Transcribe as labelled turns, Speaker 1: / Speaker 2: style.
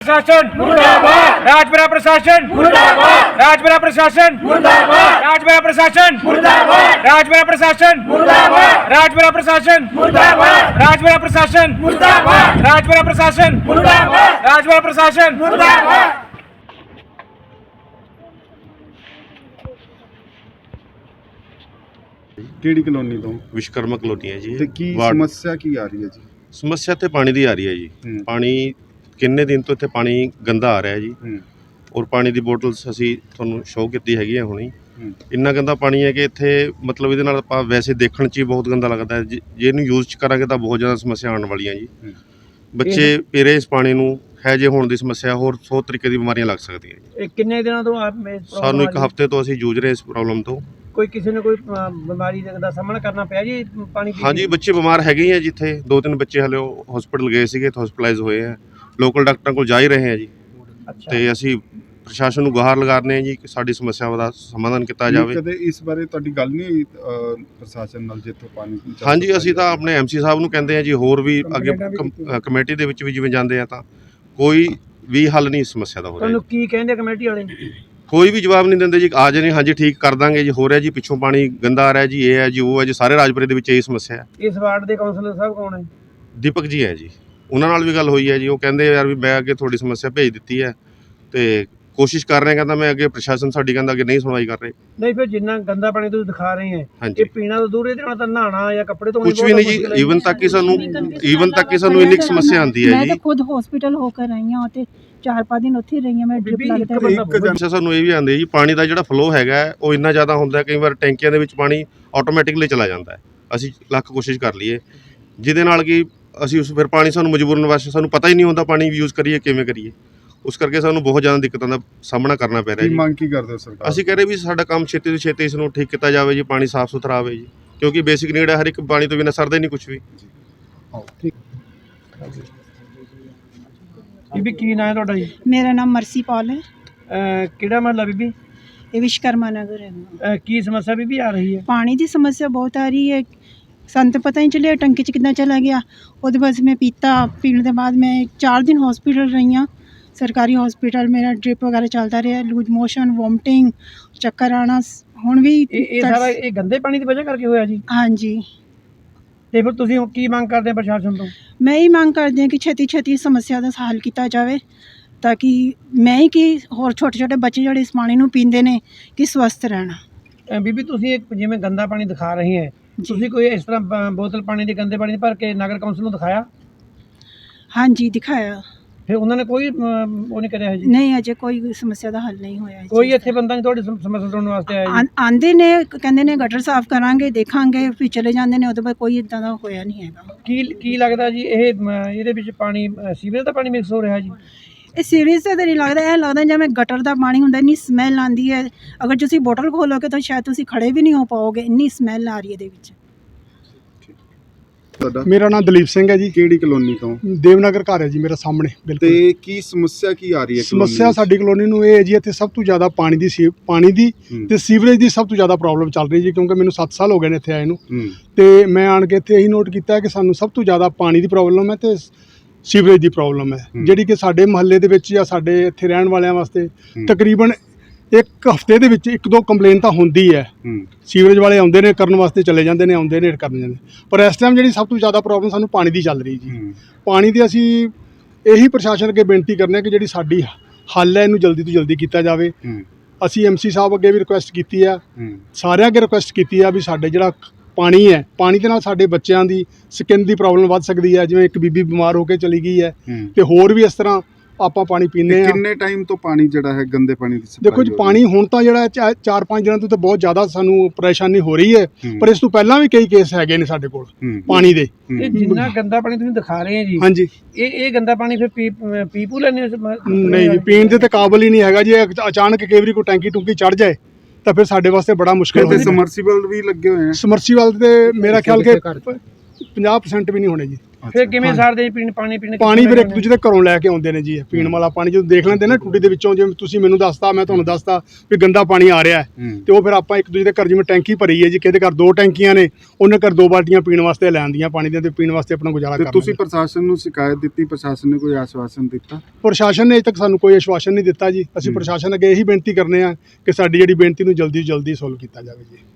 Speaker 1: प्रशासन मुर्दाबाद, राजपुरा प्रशासन मुर्दाबाद, राजपुरा प्रशासन मुर्दाबाद, राजपुरा प्रशासन मुर्दाबाद, राजपुरा प्रशासन मुर्दाबाद, राजपुरा प्रशासन मुर्दाबाद, राजपुरा प्रशासन मुर्दाबाद, राजपुरा प्रशासन मुर्दाबाद, राजपुरा प्रशासन मुर्दाबाद।
Speaker 2: ਕਿਹੜੀ ਕਲੋਨੀ ਤੋਂ
Speaker 3: ਵਿਸ਼ਕਰਮਾ ਕਲੋਨੀ ਹੈ ਜੀ।
Speaker 2: ਤੇ ਕੀ
Speaker 3: ਵਾਰਡ-
Speaker 2: ਸਮੱਸਿਆ ਕੀ ਆ ਰਹੀ ਹੈ ਜੀ?
Speaker 3: ਸਮੱਸਿਆ ਤੇ ਪਾਣੀ ਦੀ ਆ ਰਹੀ ਹੈ ਜੀ। ਪਾਣੀ ਕਿੰਨੇ ਦਿਨ ਤੋਂ ਇੱਥੇ ਪਾਣੀ ਗੰਦਾ ਆ ਰਿਹਾ ਜੀ। ਔਰ ਪਾਣੀ ਦੀ ਬੋਟਲਸ ਅਸੀਂ ਤੁਹਾਨੂੰ ਸ਼ੋਅ ਕੀਤੀ ਹੈਗੀ ਆ ਹੁਣੀ। ਇੰਨਾ ਗੰਦਾ ਪਾਣੀ ਹੈ ਕਿ ਇੱਥੇ ਮਤਲਬ ਇਹਦੇ ਨਾਲ ਆਪਾਂ ਵੈਸੇ ਦੇਖਣ 'ਚ ਹੀ ਬਹੁਤ ਗੰਦਾ ਲੱਗਦਾ ਹੈ। ਜੇ ਇਹਨੂੰ ਯੂਜ਼ ਕਰਾਂਗੇ ਤਾਂ ਬਹੁਤ ਜ਼ਿਆਦਾ ਸਮੱਸਿਆ ਆਉਣ ਵਾਲੀਆਂ ਜੀ। ਬੱਚੇ ਪੀਰੇ ਇਸ ਪਾਣੀ ਨੂੰ ਹੈਜੇ ਹੋਣ ਦੀ ਸਮੱਸਿਆ, ਹੋਰ 100 ਤਰੀਕੇ ਦੀ ਬਿਮਾਰੀਆਂ ਲੱਗ ਸਕਦੀਆਂ ਜੀ।
Speaker 1: ਇਹ ਕਿੰਨੇ ਦਿਨਾਂ ਤੋਂ
Speaker 3: ਸਾਨੂੰ 1 ਹਫ਼ਤੇ ਤੋਂ ਅਸੀਂ ਜੂਝ ਰਹੇ ਇਸ ਪ੍ਰੋਬਲਮ ਤੋਂ।
Speaker 1: ਕੋਈ ਕਿਸੇ ਨੇ ਕੋਈ ਬਿਮਾਰੀ ਦਾ ਸਾਹਮਣਾ ਕਰਨਾ ਪਿਆ ਜੀ ਪਾਣੀ ਪੀ
Speaker 3: ਹਾਂਜੀ, ਬੱਚੇ ਬਿਮਾਰ ਹੈਗੇ ਆ ਜਿੱਥੇ 2-3 ਬੱਚੇ ਹਲੇ ਹਸਪੀਟਲ ਗਏ ਸੀਗੇ ਤਾਂ ਹਸਪੀਟਲਾਈਜ਼ ਹੋਏ ਆ। ਲੋਕਲ ਡਾਕਟਰਾਂ ਕੋਲ ਜਾ ਹੀ ਰਹੇ ਆ ਜੀ। ਤੇ ਅਸੀਂ ਪ੍ਰਸ਼ਾਸਨ ਨੂੰ ਗੁਹਾਰ ਲਗਾ ਰਹੇ ਹਾਂ ਜੀ ਕਿ ਸਾਡੀ ਸਮੱਸਿਆਵਾਂ ਦਾ ਸਮਾਧਾਨ ਕੀਤਾ ਜਾਵੇ।
Speaker 2: ਕਦੇ ਇਸ ਬਾਰੇ ਤੁਹਾਡੀ ਗੱਲ ਨਹੀਂ ਹੋਈ ਪ੍ਰਸ਼ਾਸਨ ਨਾਲ ਜਿੱਥੋਂ ਪਾਣੀ
Speaker 3: ਹਾਂਜੀ, ਅਸੀਂ ਤਾਂ ਆਪਣੇ ਐਮਸੀ ਸਾਹਿਬ ਨੂੰ ਕਹਿੰਦੇ ਆ ਜੀ, ਹੋਰ ਵੀ ਅੱਗੇ ਕਮੇਟੀ ਦੇ ਵਿੱਚ ਵੀ ਜਿਵੇਂ ਜਾਂਦੇ ਆ ਤਾਂ ਕੋਈ ਵੀ ਹੱਲ ਨਹੀਂ ਇਸ ਸਮੱਸਿਆ ਦਾ ਹੋ ਰਿਹਾ।
Speaker 1: ਤੁਹਾਨੂੰ ਕੀ ਕਹਿੰਦੇ ਕਮੇਟੀ ਵਾਲੇ?
Speaker 3: ਕੋਈ ਵੀ ਜਵਾਬ ਨਹੀਂ ਦਿੰਦੇ ਜੀ। ਆ ਜਾਣੇ ਹਾਂਜੀ ਠੀਕ ਕਰ ਦਾਂਗੇ ਜੀ, ਹੋ ਰਿਹਾ ਜੀ, ਪਿੱਛੋਂ ਪਾਣੀ ਗੰਦਾ ਆ ਰਿਹਾ ਜੀ, ਇਹ ਹੈ ਜੀ, ਉਹ ਹੈ ਜੀ। ਸਾਰੇ ਰਾਜਪੁਰੇ ਦੇ ਵਿੱਚ ਇਹ ਸਮੱਸਿਆ ਹੈ।
Speaker 1: ਇਸ ਵਾਰਡ ਦੇ ਕਾਉਂਸਲਰ ਸਾਹਿਬ ਕੌਣ ਹੈ?
Speaker 3: ਦੀਪਕ ਜੀ ਹੈ ਜੀ, ਉਹਨਾਂ ਨਾਲ ਵੀ ਗੱਲ ਹੋਈ ਹੈ ਜੀ। ਉਹ ਕਹਿੰਦੇ ਯਾਰ ਵੀ ਮੈਂ ਅੱਗੇ ਤੁਹਾਡੀ ਸਮੱਸਿਆ ਭੇਜ ਦਿੱਤੀ ਹੈ ਤੇ ਕੋਸ਼ਿਸ਼ ਕਰ ਰਹੇ, ਕਹਿੰਦਾ ਮੈਂ ਅੱਗੇ ਪ੍ਰਸ਼ਾਸਨ ਸਾਡੀ ਕਹਿੰਦਾ ਅੱਗੇ ਨਹੀਂ ਸੁਣਵਾਈ ਕਰ ਰਹੇ।
Speaker 1: ਨਹੀਂ ਫਿਰ ਜਿੰਨਾ ਗੰਦਾ ਪਾਣੀ ਤੁਸੀਂ ਦਿਖਾ ਰਹੇ ਹੈ
Speaker 3: ਹਾਂਜੀ,
Speaker 1: ਇਹ ਪੀਣਾ ਤਾਂ ਦੂਰ ਇਹਦੇ ਨਾਲ ਤਾਂ ਨਹਾਣਾ ਜਾਂ ਕੱਪੜੇ ਧੋਣੇ
Speaker 3: ਕੁਝ ਵੀ ਨਹੀਂ ਜੀ। ਈਵਨ ਤੱਕ ਕਿ ਸਾਨੂੰ ਇੰਨੀ ਸਮੱਸਿਆ ਆਉਂਦੀ ਹੈ
Speaker 4: ਮੈਂ
Speaker 3: ਜੀ।
Speaker 4: ਤਾਂ ਖੁਦ ਹਸਪੀਟਲ ਹੋ ਕੇ ਆਈ ਹਾਂ ਤੇ 4-5 ਦਿਨ ਉੱਥੇ ਹੀ ਰਹੀ ਹਾਂ। ਮੈਂ ਡ੍ਰਿਪ ਲੱਗਦਾ
Speaker 3: ਅੱਛਾ, ਸਾਨੂੰ ਇਹ ਵੀ ਆਉਂਦੀ ਹੈ ਜੀ, ਪਾਣੀ ਦਾ ਜਿਹੜਾ ਫਲੋ ਹੈਗਾ ਉਹ ਇੰਨਾ ਜ਼ਿਆਦਾ ਹੁੰਦਾ ਹੈ, ਕਈ ਵਾਰ ਟੈਂਕੀਆਂ ਦੇ ਵਿੱਚ ਪਾਣੀ ਆਟੋਮੈਟਿਕਲੀ ਚਲਾ ਜਾਂਦਾ ਹੈ। ਅਸੀਂ ਲੱਖ ਕੋਸ਼ਿਸ਼ ਕਰ ਲਈਏ ਜਿਹਦੇ ਨਾਲ ਕਿ ਅਸੀਂ ਉਸ ਫਿਰ ਪਾਣੀ ਸਾਨੂੰ ਮਜਬੂਰਨ ਵਾਸਤੇ ਸਾਨੂੰ ਪਤਾ ਹੀ ਨਹੀਂ ਹੁੰਦਾ ਪਾਣੀ ਯੂਜ਼ ਕਰੀਏ ਕਿਵੇਂ ਕਰੀਏ। ਉਸ ਕਰਕੇ ਸਾਨੂੰ ਬਹੁਤ ਜ਼ਿਆਦਾ ਦਿੱਕਤਾਂ ਦਾ ਸਾਹਮਣਾ ਕਰਨਾ ਪੈ ਰਿਹਾ ਜੀ।
Speaker 2: ਮੰਗ ਕੀ ਕਰਦੇ ਹੋ ਸਰਕਾਰ?
Speaker 3: ਅਸੀਂ ਕਹਿ ਰਹੇ ਵੀ ਸਾਡਾ ਕੰਮ ਛੇਤੀ ਤੋਂ ਛੇਤੀ ਇਸ ਨੂੰ ਠੀਕ ਕੀਤਾ ਜਾਵੇ ਜੀ, ਪਾਣੀ ਸਾਫ਼ ਸੁਥਰਾ ਆਵੇ ਜੀ, ਕਿਉਂਕਿ ਬੇਸਿਕ ਨੀਡ ਹੈ। ਹਰ ਇੱਕ ਪਾਣੀ ਤੋਂ ਬਿਨਾਂ ਸਰਦਾ ਹੀ ਨਹੀਂ ਕੁਝ ਵੀ।
Speaker 1: ਬੀਬੀ ਕੀ ਨਾਂ ਹੈ ਤੁਹਾਡਾ ਜੀ?
Speaker 4: ਮੇਰਾ ਨਾਮ ਮਰਸੀ ਪਾਲ ਹੈ।
Speaker 1: ਕਿਹੜਾ ਮਹੱਲਾ ਬੀਬੀ?
Speaker 4: ਇਹ ਵਿਸ਼ਕਰਮਾ ਨਗਰ ਹੈ।
Speaker 1: ਕੀ ਸਮੱਸਿਆ ਬੀਬੀ ਆ ਰਹੀ ਹੈ?
Speaker 4: ਪਾਣੀ ਦੀ ਸਮੱਸਿਆ ਬਹੁਤ ਆ ਰਹੀ ਹੈ। ਸਾਨੂੰ ਤਾਂ ਪਤਾ ਹੀ ਚੱਲਿਆ ਟੰਕੀ 'ਚ ਕਿੱਦਾਂ ਚਲਾ ਗਿਆ। ਉਹਦੇ ਬਾਅਦ ਮੈਂ ਪੀਣ ਦੇ ਬਾਅਦ ਮੈਂ 4 ਦਿਨ ਹਸਪੀਟਲ ਰਹੀ ਹਾਂ, ਸਰਕਾਰੀ ਹਸਪੀਟਲ। ਮੇਰਾ ਡ੍ਰਿਪ ਵਗੈਰਾ ਚੱਲਦਾ ਰਿਹਾ, ਲੂਜ ਮੋਸ਼ਨ, ਵੋਮਟਿੰਗ, ਚੱਕਰ ਆਉਣਾ। ਹੁਣ ਵੀ
Speaker 1: ਇਹ ਸਾਰਾ ਇਹ ਗੰਦੇ ਪਾਣੀ ਦੀ ਵਜ੍ਹਾ ਕਰਕੇ ਹੋਇਆ ਜੀ?
Speaker 4: ਹਾਂਜੀ।
Speaker 1: ਤੇ ਫਿਰ ਤੁਸੀਂ ਕੀ ਮੰਗ ਕਰਦੇ ਆ ਪ੍ਰਸ਼ਾਸਨ ਤੋਂ?
Speaker 4: ਮੈਂ ਹੀ ਮੰਗ ਕਰਦੀ ਹਾਂ ਕਿ ਛੇਤੀ ਸਮੱਸਿਆ ਦਾ ਹੱਲ ਕੀਤਾ ਜਾਵੇ ਤਾਂ ਕਿ ਮੈਂ ਹੀ ਕਿ ਹੋਰ ਛੋਟੇ ਬੱਚੇ ਜਿਹੜੇ ਇਸ ਪਾਣੀ ਨੂੰ ਪੀਂਦੇ ਨੇ ਕਿ ਸਵਸਥ ਰਹਿਣ।
Speaker 1: ਬੀਬੀ ਤੁਸੀਂ ਜਿਵੇਂ ਗੰਦਾ ਪਾਣੀ ਦਿਖਾ ਰਹੇ ਹੈ, ਤੁਸੀਂ ਕੋਈ ਇਸ ਤਰ੍ਹਾਂ ਬੋਤਲ ਪਾਣੀ ਦੀ ਗੰਦੇ ਪਾਣੀ ਭਰ ਕੇ ਨਗਰ ਕੌਂਸਲ ਨੂੰ ਦਿਖਾਇਆ?
Speaker 4: ਹਾਂਜੀ, ਦਿਖਾਇਆ।
Speaker 1: ਫਿਰ ਉਹਨਾਂ ਨੇ ਕੋਈ ਉਹ ਨਹੀਂ ਕਰਿਆ ਜੀ?
Speaker 4: ਨਹੀਂ, ਅਜੇ ਕੋਈ ਸਮੱਸਿਆ ਦਾ ਹੱਲ ਨਹੀਂ ਹੋਇਆ।
Speaker 1: ਕੋਈ ਇੱਥੇ ਬੰਦਾ ਨਹੀਂ ਤੁਹਾਡੀ ਸਮੱਸਿਆ ਸੁਣਨ ਵਾਸਤੇ ਆਇਆ ਜੀ?
Speaker 4: ਆਂਦੇ ਨੇ, ਕਹਿੰਦੇ ਨੇ ਗਟਰ ਸਾਫ਼ ਕਰਾਂਗੇ, ਦੇਖਾਂਗੇ, ਫਿਰ ਚਲੇ ਜਾਂਦੇ ਨੇ। ਉਹਦੇ ਬਾਅਦ ਕੋਈ ਇਦਾਂ ਦਾ ਹੋਇਆ ਨਹੀਂ ਹੈਗਾ।
Speaker 1: ਕੀ ਲੱਗਦਾ ਜੀ ਇਹ ਇਹਦੇ ਵਿੱਚ ਪਾਣੀ ਸੀਵਰੇਜ ਦਾ ਪਾਣੀ ਮਿਕਸ ਹੋ ਰਿਹਾ ਜੀ?
Speaker 4: ਇਹ ਸੀਰੀਅਸ ਤਾਂ ਨਹੀਂ ਲੱਗਦਾ, ਇਹ ਲੱਗਦਾ ਜਿਵੇਂ ਗਟਰ ਦਾ ਪਾਣੀ ਹੁੰਦਾ। ਇੰਨੀ ਸਮੈਲ ਆਉਂਦੀ ਹੈ, ਅਗਰ ਤੁਸੀਂ ਬੋਟਲ ਖੋਲੋਗੇ ਤਾਂ ਸ਼ਾਇਦ ਤੁਸੀਂ ਖੜੇ ਵੀ ਨਹੀਂ ਹੋ ਪਾਓਗੇ, ਇੰਨੀ ਸਮੈਲ ਆ ਰਹੀ ਹੈ ਇਹਦੇ ਵਿੱਚ।
Speaker 2: ਮੇਰਾ ਨਾਮ ਦਲੀਪ ਸਿੰਘ ਹੈ ਜੀ। ਕਿਹੜੀ ਕਲੋਨੀ ਤੋਂ?
Speaker 5: ਦੇਵਨਗਰ ਘਰ ਹੈ ਜੀ ਮੇਰਾ ਸਾਹਮਣੇ ਬਿਲਕੁਲ।
Speaker 2: ਤੇ ਕੀ ਸਮੱਸਿਆ ਕੀ ਆ ਰਹੀ ਹੈ?
Speaker 5: ਸਮੱਸਿਆ ਸਾਡੀ ਕਲੋਨੀ ਨੂੰ ਇਹ ਹੈ ਜੀ, ਇੱਥੇ ਸਭ ਤੋਂ ਜ਼ਿਆਦਾ ਪਾਣੀ ਦੀ ਤੇ ਸੀਵਰੇਜ ਦੀ ਸਭ ਤੋਂ ਜ਼ਿਆਦਾ ਪ੍ਰੋਬਲਮ ਚੱਲ ਰਹੀ ਜੀ। ਕਿਉਂਕਿ ਮੈਨੂੰ 7 ਸਾਲ ਹੋ ਗਏ ਨੇ ਇੱਥੇ ਆਏ ਨੂੰ, ਤੇ ਮੈਂ ਆਣ ਕੇ ਇੱਥੇ ਇਹੀ ਨੋਟ ਕੀਤਾ ਕਿ ਸਾਨੂੰ ਸਭ ਤੋਂ ਜ਼ਿਆਦਾ ਪਾਣੀ ਦੀ ਪ੍ਰੋਬਲਮ ਹੈ ਤੇ ਸੀਵਰੇਜ ਦੀ ਪ੍ਰੋਬਲਮ ਹੈ, ਜਿਹੜੀ ਕਿ ਸਾਡੇ ਮੁਹੱਲੇ ਦੇ ਵਿੱਚ ਜਾਂ ਸਾਡੇ ਇੱਥੇ ਰਹਿਣ ਵਾਲਿਆਂ ਵਾਸਤੇ ਤਕਰੀਬਨ 1 ਹਫ਼ਤੇ ਦੇ ਵਿੱਚ 1-2 ਕੰਪਲੇਨ ਤਾਂ ਹੁੰਦੀ ਹੈ। ਸੀਵਰੇਜ ਵਾਲੇ ਆਉਂਦੇ ਨੇ ਕਰਨ ਵਾਸਤੇ, ਚਲੇ ਜਾਂਦੇ ਨੇ, ਆਉਂਦੇ ਨੇ ਕਰਨ ਜਾਂਦੇ। ਪਰ ਇਸ ਟਾਈਮ ਜਿਹੜੀ ਸਭ ਤੋਂ ਜ਼ਿਆਦਾ ਪ੍ਰੋਬਲਮ ਸਾਨੂੰ ਪਾਣੀ ਦੀ ਚੱਲ ਰਹੀ ਜੀ। ਪਾਣੀ ਦੀ ਅਸੀਂ ਇਹੀ ਪ੍ਰਸ਼ਾਸਨ ਅੱਗੇ ਬੇਨਤੀ ਕਰਨੇ ਆ ਕਿ ਜਿਹੜੀ ਸਾਡੀ ਹੱਲ ਹੈ ਇਹਨੂੰ ਜਲਦੀ ਤੋਂ ਜਲਦੀ ਕੀਤਾ ਜਾਵੇ। ਅਸੀਂ ਐਮਸੀ ਸਾਹਿਬ ਅੱਗੇ ਵੀ ਰਿਕੁਐਸਟ ਕੀਤੀ ਆ, ਸਾਰਿਆਂ ਅੱਗੇ ਰਿਕੁਐਸਟ ਕੀਤੀ ਆ ਵੀ ਸਾਡੇ ਜਿਹੜਾ ਪਾਣੀ ਹੈ, ਪਾਣੀ ਦੇ ਨਾਲ ਸਾਡੇ ਬੱਚਿਆਂ ਦੀ ਸਕਿਨ ਦੀ ਪ੍ਰੋਬਲਮ ਵੱਧ ਸਕਦੀ ਹੈ। ਜਿਵੇਂ ਇੱਕ ਬੀਬੀ ਬਿਮਾਰ ਹੋ ਕੇ ਚਲੀ ਗਈ ਹੈ ਤੇ ਹੋਰ ਵੀ ਇਸ ਤਰ੍ਹਾਂ ਆਪਾਂ ਪਾਣੀ ਪੀਂਦੇ ਆ।
Speaker 2: ਕਿੰਨੇ ਟਾਈਮ ਤੋਂ ਪਾਣੀ ਜਿਹੜਾ ਹੈ ਗੰਦੇ ਪਾਣੀ ਦੀ ਸਪਲਾਈ?
Speaker 5: ਦੇਖੋ ਜੀ, ਪਾਣੀ ਹੁਣ ਤਾਂ ਜਿਹੜਾ 4-5 ਦਿਨਾਂ ਤੋਂ ਤਾਂ ਬਹੁਤ ਜ਼ਿਆਦਾ ਸਾਨੂੰ ਪਰੇਸ਼ਾਨੀ ਹੋ ਰਹੀ ਹੈ, ਪਰ ਇਸ ਤੋਂ ਪਹਿਲਾਂ ਵੀ ਕਈ ਕੇਸ ਹੈਗੇ ਨੇ ਸਾਡੇ ਕੋਲ ਪਾਣੀ ਦੇ।
Speaker 1: ਇਹ ਜਿੰਨਾ ਗੰਦਾ ਪਾਣੀ ਤੁਸੀਂ ਦਿਖਾ ਰਹੇ ਹੋ ਜੀ,
Speaker 5: ਹਾਂਜੀ,
Speaker 1: ਇਹ ਗੰਦਾ ਪਾਣੀ ਫਿਰ ਪੀਪੂ ਲੈਣੇ?
Speaker 5: ਨਹੀਂ ਜੀ, ਪੀਣ ਦੇ ਤੇ ਕਾਬਲ ਹੀ ਨਹੀਂ ਹੈਗਾ ਜੀ। ਅਚਾਨਕ ਕਈ ਵਾਰੀ ਕੋਈ ਟੈਂਕੀ ਟੁੰਕੀ ਚੜ ਜਾਏ ਤਾਂ ਫਿਰ ਸਾਡੇ ਵਾਸਤੇ ਬੜਾ ਮੁਸ਼ਕਿਲ
Speaker 2: ਹੁੰਦਾ। ਸਮਰਸੀਬਲ ਵੀ ਲੱਗੇ ਹੋਏ ਆ?
Speaker 5: ਸਮਰਸੀਬਲ ਤੇ ਮੇਰਾ ਖਿਆਲ ਕਿ 50% ਵੀ ਨਹੀਂ ਹੋਣੇ ਜੀ।
Speaker 6: ਫਿਰ ਕਿਵੇਂ ਸਾਰਦੇ ਪਾਣੀ ਪੀਣ
Speaker 5: ਪਾਣੀ ਫਿਰ ਇੱਕ ਦੂਜੇ ਦੇ ਘਰੋਂ ਲੈ ਕੇ ਆਉਂਦੇ ਨੇ ਜੀ ਪੀਣ ਵਾਲਾ ਪਾਣੀ। ਜਦੋਂ ਦੇਖ ਲੈਂਦੇ ਨਾ ਟੂਟੀ ਦੇ ਵਿੱਚੋਂ, ਜਿਵੇਂ ਤੁਸੀਂ ਮੈਨੂੰ ਦੱਸਤਾ, ਮੈਂ ਤੁਹਾਨੂੰ ਦੱਸਤਾ ਵੀ ਗੰਦਾ ਪਾਣੀ ਆ ਰਿਹਾ ਹੈ, ਤੇ ਉਹ ਫਿਰ ਆਪਾਂ ਇੱਕ ਦੂਜੇ ਦੇ ਘਰ, ਜਿਵੇਂ ਟੈਂਕੀ ਭਰੀ ਹੈ ਜੀ, ਕਿਹਦੇ ਘਰ 2 ਟੈਂਕੀਆਂ ਨੇ, ਉਹਨੇ ਘਰ 2 ਬਾਲਟੀਆਂ ਪੀਣ ਵਾਸਤੇ ਲੈ ਆਉਂਦੀਆਂ ਪਾਣੀ ਦੀਆਂ, ਤੇ ਪੀਣ ਵਾਸਤੇ ਆਪਣਾ ਗੁਜ਼ਾਰਾ
Speaker 2: ਤੇ
Speaker 5: ਕਰ
Speaker 2: ਤੁਸੀਂ ਪ੍ਰਸ਼ਾਸਨ ਨੂੰ ਸ਼ਿਕਾਇਤ ਦਿੱਤੀ, ਪ੍ਰਸ਼ਾਸਨ ਨੇ ਕੋਈ ਆਸ਼ਵਾਸਨ ਦਿੱਤਾ?
Speaker 5: ਪ੍ਰਸ਼ਾਸਨ ਨੇ ਅਜੇ ਤੱਕ ਸਾਨੂੰ ਕੋਈ ਆਸ਼ਵਾਸਨ ਨਹੀਂ ਦਿੱਤਾ ਜੀ। ਅਸੀਂ ਪ੍ਰਸ਼ਾਸਨ ਅੱਗੇ ਇਹੀ ਬੇਨਤੀ ਕਰਨੇ ਆ ਕਿ ਸਾਡੀ ਜਿਹੜੀ ਬੇਨਤੀ ਨੂੰ ਜਲਦੀ ਤੋਂ ਜਲਦੀ ਸੋਲਵ ਕੀਤਾ ਜਾਵੇ ਜੀ।